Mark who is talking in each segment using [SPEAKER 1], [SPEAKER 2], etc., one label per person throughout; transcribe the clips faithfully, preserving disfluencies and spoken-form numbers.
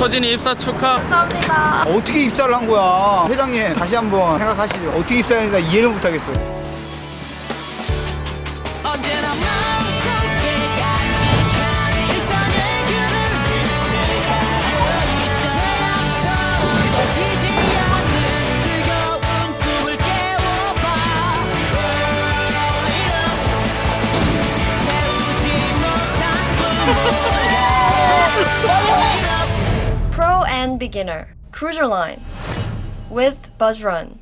[SPEAKER 1] 서진이 입사 축하.
[SPEAKER 2] 감사합니다.
[SPEAKER 3] 어떻게 입사를 한 거야? 회장님 다시 한번 생각하시죠. 어떻게 입사했는가 이해를 못하겠어요.
[SPEAKER 2] Pro and Beginner Cruiser Line with Buzz Run.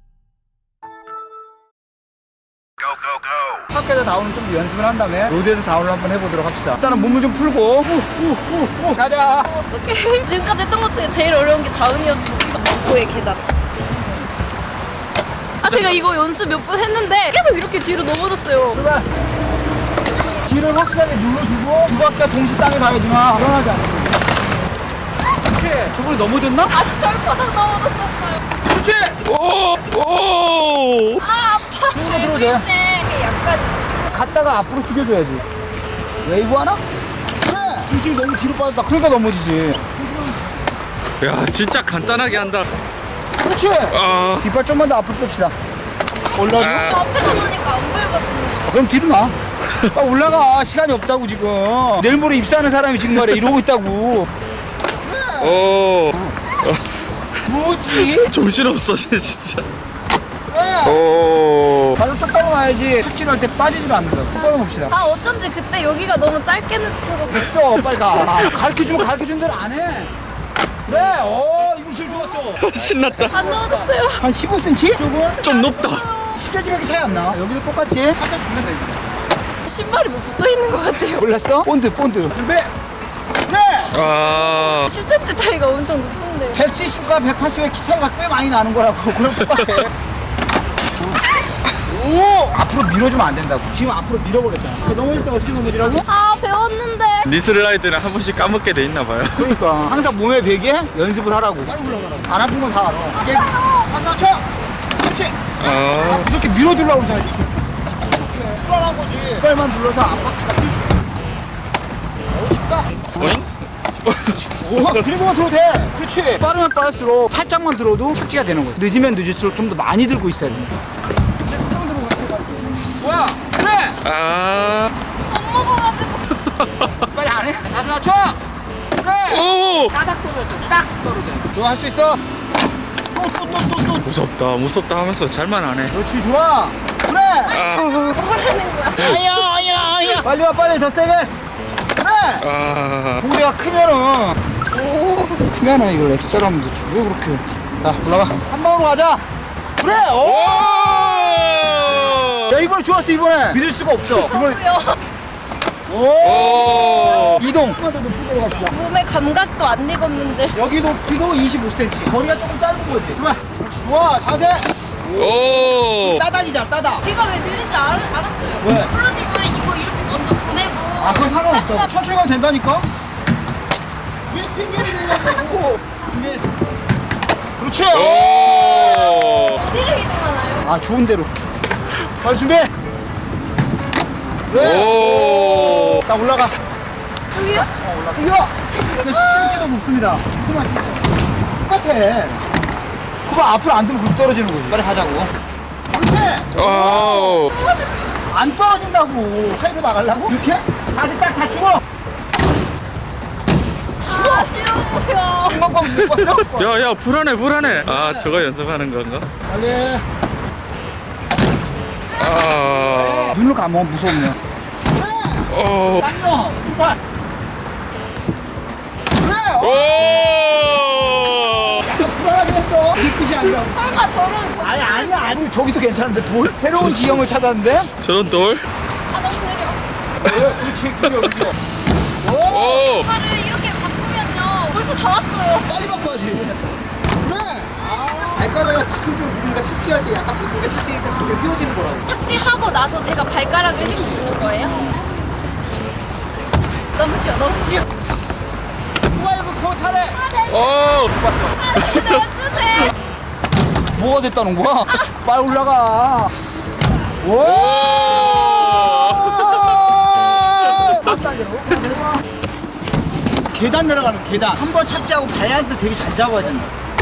[SPEAKER 3] 학교에서 다운을 좀 연습을 한 다음에 로드에서 다운을 한번 해보도록 합시다. 일단은 몸을 좀 풀고 우우우우 가자.
[SPEAKER 2] 어떡해. 지금까지 했던 것 중에 제일 어려운 게 다운이었으니까. 고의 계단. 아 제가 이거 연습 몇 번 했는데 계속 이렇게 뒤로 넘어졌어요.
[SPEAKER 3] 출발. 뒤를 확실하게 눌러주고 두 바퀴 동시 땅에 닿아야지만 불안하지 않고. 그렇지. 저번에 넘어졌나?
[SPEAKER 2] 아주 철퍼덕 넘어졌었어요.
[SPEAKER 3] 그렇지.
[SPEAKER 1] 오.
[SPEAKER 2] 아 아파.
[SPEAKER 3] 손으로 들어도 돼.
[SPEAKER 2] 네. 약간
[SPEAKER 3] 갔다가 앞으로 숙여줘야지. 웨이브 하나? 그래. 중심이 너무 뒤로 빠졌다. 그러니까 넘어지지.
[SPEAKER 1] 야 진짜 간단하게 한다.
[SPEAKER 3] 그렇지.
[SPEAKER 1] 아.
[SPEAKER 3] 뒷발 좀만 더 앞으로 뺍시다. 올라줘.
[SPEAKER 1] 아.
[SPEAKER 2] 앞에서 놓으니까 안 밟아지는 거.
[SPEAKER 3] 그럼 뒤로 나. 빨리 올라가. 시간이 없다고 지금. 내일 모레 입사하는 사람이 지금 말이야 이러고 있다고.
[SPEAKER 1] 오.
[SPEAKER 3] 뭐지?
[SPEAKER 1] 정신없어 진짜.
[SPEAKER 3] 네.
[SPEAKER 1] 오.
[SPEAKER 3] 발로 똑바로 놔야지. 착지를 할 때 빠지질 않는다. 똑바로 봅시다.
[SPEAKER 2] 아 어쩐지 그때 여기가 너무 짧게 느껴서.
[SPEAKER 3] 됐어. 빨리 가. 가르쳐주면 가르쳐준 대로 안 해. 그래. 어 이거 제일 좋았어.
[SPEAKER 1] 신났다.
[SPEAKER 2] 안 넘어졌어요.
[SPEAKER 3] 한 십오 센티미터? 조금?
[SPEAKER 1] 좀 높다.
[SPEAKER 3] 십 센티미터밖에 차이 안 나. 여기도 똑같이 살짝 주면 돼.
[SPEAKER 2] 신발이 뭐 붙어 있는 것 같아요.
[SPEAKER 3] 몰랐어? 본드 본드. 준비. 그래.
[SPEAKER 1] 아.
[SPEAKER 2] 십 센티미터 차이가 엄청 높은데.
[SPEAKER 3] 백칠십과 백팔십의 키 차이가 꽤 많이 나는 거라고. 그럼 똑같아. 오! 앞으로 밀어주면 안 된다고. 지금 앞으로 밀어버렸잖아. 그 넘어질 때 어떻게 넘어지라고?
[SPEAKER 2] 아 배웠는데.
[SPEAKER 1] 니 슬라이드는 한 번씩 까먹게 돼 있나 봐요.
[SPEAKER 3] 그러니까 항상 몸에 베게 연습을 하라고. 빨리 올라가라고. 안 아픈 건 다 알아. 게임. 가자, 쳐! 그렇지!
[SPEAKER 1] 아.
[SPEAKER 3] 이렇게 밀어주려고 그러잖아. 이렇게. 불안한 거지. 빨만 눌러서 앞바퀴가 뛸 수 있어. 어, 쉽다.
[SPEAKER 1] 어잉?
[SPEAKER 3] 오, 그리고만 들어도 돼. 그렇지. 빠르면 빠를수록 살짝만 들어도 착지가 되는 거지. 늦으면 늦을수록 좀 더 많이 들고 있어야 돼. 뭐야? 그래!
[SPEAKER 1] 아.
[SPEAKER 2] 안 먹어가지고.
[SPEAKER 3] 빨리 안 해? 자세 낮춰! 그래!
[SPEAKER 1] 오.
[SPEAKER 3] 따닥 떨어져. 딱 떨어져. 너 할 수 있어? 또, 또, 또, 또, 또.
[SPEAKER 1] 무섭다 무섭다 하면서 잘만 안 해.
[SPEAKER 3] 그렇지, 좋아. 그래!
[SPEAKER 1] 아.
[SPEAKER 2] 뭐라는 거야?
[SPEAKER 3] 아야, 아야, 아야. 빨리 와, 빨리 더 세게. 그래!
[SPEAKER 1] 아.
[SPEAKER 3] 공대가 크면은. 크면은 이걸 엑스자로 하면 되지. 왜 그렇게. 자, 올라가. 한 방으로 가자. 그래! 오! 야, 이번에 좋았어, 이번에. 믿을 수가 없어. 이번에. 오!
[SPEAKER 1] 오.
[SPEAKER 3] 이동. 조금만 더 높이로 갑시다.
[SPEAKER 2] 몸에 감각도 안 익었는데.
[SPEAKER 3] 여기 높이도 이십오 센티미터. 거리가 조금 짧은 거지. 정말. 그렇지, 좋아. 자세.
[SPEAKER 1] 오.
[SPEAKER 3] 따닥이자, 따닥.
[SPEAKER 2] 제가 왜 느린지 알, 알았어요.
[SPEAKER 3] 왜?
[SPEAKER 2] 프로님은 이거 이렇게 먼저 보내고.
[SPEAKER 3] 아, 그건 상관없어.
[SPEAKER 2] 하시다-
[SPEAKER 3] 천천히 가면 된다니까? 왜 핑계를 내냐고. 준비. 그렇지.
[SPEAKER 1] 오.
[SPEAKER 2] 어디를 이동하나요?
[SPEAKER 3] 아, 좋은 대로. 빨리 준비. 그래.
[SPEAKER 1] 오.
[SPEAKER 3] 자, 올라가.
[SPEAKER 2] 여기요?
[SPEAKER 3] 어, 올라가. 뛰어. 근데 십 센티미터도 높습니다. 그만 있어. 똑같아. 그거 앞으로 안 들고 떨어지는 거지. 빨리 가자고. 그렇지.
[SPEAKER 1] 오.
[SPEAKER 3] 안 떨어진다고. 사이드 나가려고? 이렇게? 자세 딱 갖추고.
[SPEAKER 2] 아 싫어요.
[SPEAKER 3] 한번만 못 봤어?
[SPEAKER 1] 야야 불안해 불안해. 아 저거 연습하는 건가?
[SPEAKER 3] 빨리.
[SPEAKER 1] 아.
[SPEAKER 3] 눈을 감으면 무섭네.
[SPEAKER 1] 오.
[SPEAKER 3] 맞노. 출발. 그래. 어.
[SPEAKER 1] 오.
[SPEAKER 3] 약간 불안하긴 했어. 이 끝이 아니라고.
[SPEAKER 2] 설마 저런.
[SPEAKER 3] 아니 아니야 아니. 저기도 괜찮은데 돌? 새로운 지형을 찾았는데?
[SPEAKER 1] 저런 돌?
[SPEAKER 2] 아 너무 느려.
[SPEAKER 3] 어, 그렇지 그려 그려. 오.
[SPEAKER 1] 오.
[SPEAKER 2] 이거를 이렇게 바꾸면요. 벌써 다 왔어요.
[SPEAKER 3] 빨리 바꿔야지. 그래. 발가락을 가끔 좀 누군가 착지할 때 약간 삐뚤게 착지할 때 그게 휘어지는 거라고.
[SPEAKER 2] 착지하고 나서 제가 발가락을 힘 주는 거예요? 너무 쉬워, 너무 쉬워.
[SPEAKER 3] 누가 이거 그거 타래?
[SPEAKER 1] 오.
[SPEAKER 3] 못 봤어.
[SPEAKER 2] 아, 진짜 어떡해.
[SPEAKER 3] 뭐가 됐다는 거야? 빨리 올라가. 오.
[SPEAKER 1] 오.
[SPEAKER 3] 깜짝이야. 계단 내려가는 계단. 한 번 착지하고 밸런스를 되게 잘 잡아야 된다.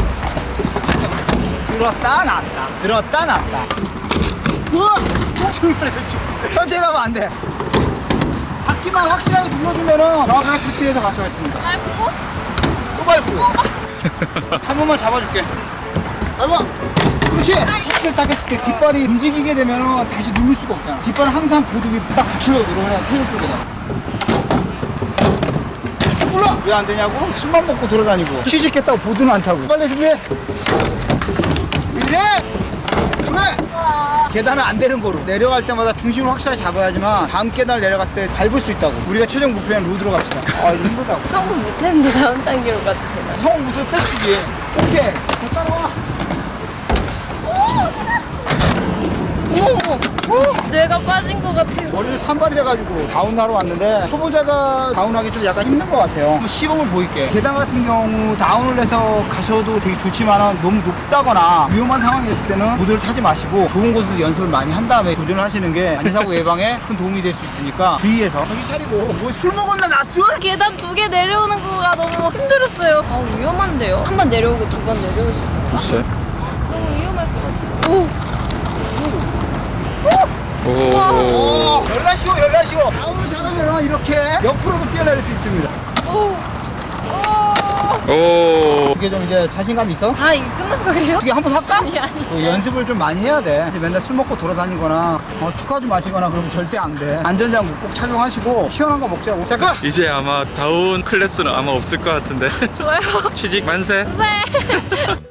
[SPEAKER 3] 들었다 놨다. 들었다 놨다. 우와! 천천히 가면 안 돼. 바퀴만 확실하게 눌러주면은 정확하게 착지해서 갈 수가 있습니다.
[SPEAKER 2] 밟고?
[SPEAKER 3] 또 밟고. 한 번만 잡아줄게. 밟아. 그렇지. 착지를 딱 했을 때 뒷발이 움직이게 되면은 다시 누를 수가 없잖아. 뒷발은 항상 보드 위에 딱 붙이려고 누르면 테일 쪽에다. 몰라. 왜 안 되냐고? 술만 먹고 돌아다니고 취직했다고 보드는 안 타고. 빨리 준비해. 이래. 그래. 계단은 안 되는 거로 내려갈 때마다 중심을 확실하게 잡아야지만 다음 계단을 내려갔을 때 밟을 수 있다고. 우리가 최종 목표는 로드로 갑시다. 아 이거 힘들다고.
[SPEAKER 2] 성공 못했는데 다음 단계로 가도 되나?
[SPEAKER 3] 성공 무슨 패스지. 오케이. 더 따라와.
[SPEAKER 2] 어머 어머 뇌가 빠진 것 같아요.
[SPEAKER 3] 머리를 산발이 돼가지고 다운하러 왔는데 초보자가 다운하기 좀 약간 힘든 것 같아요. 한번 시범을 보일게. 계단 같은 경우 다운을 해서 가셔도 되게 좋지만 너무 높다거나 위험한 상황이 있을 때는 보드를 타지 마시고 좋은 곳에서 연습을 많이 한 다음에 도전을 하시는 게 안전사고 예방에 큰 도움이 될 수 있으니까 주의해서 정신 차리고. 뭐 술 먹었나 나 술?
[SPEAKER 2] 계단 두 개 내려오는 거가 너무 힘들었어요. 아 위험한데요? 한 번 내려오고 두 번 내려오시고.
[SPEAKER 1] 글쎄.
[SPEAKER 2] 너무 위험할 것 같아요. 오.
[SPEAKER 1] 오.
[SPEAKER 3] 오, 열나 쉬워 열나 쉬워. 다운을 잘하면 이렇게 옆으로도 뛰어내릴 수 있습니다.
[SPEAKER 2] 오. 오.
[SPEAKER 1] 오.
[SPEAKER 3] 이게 좀 이제 자신감 있어?
[SPEAKER 2] 아 이거 끝난 거예요?
[SPEAKER 3] 어떻게 한번 할까?
[SPEAKER 2] 아니 아니.
[SPEAKER 3] 그 연습을 좀 많이 해야 돼. 이제 맨날 술 먹고 돌아다니거나 어, 축하 좀 마시거나 그러면 절대 안 돼. 안전장구 꼭 착용하시고 시원한 거 먹자고. 잠깐.
[SPEAKER 1] 이제 아마 다운 클래스는 아마 없을 것 같은데.
[SPEAKER 2] 좋아요.
[SPEAKER 1] 취직 만세.
[SPEAKER 2] 네.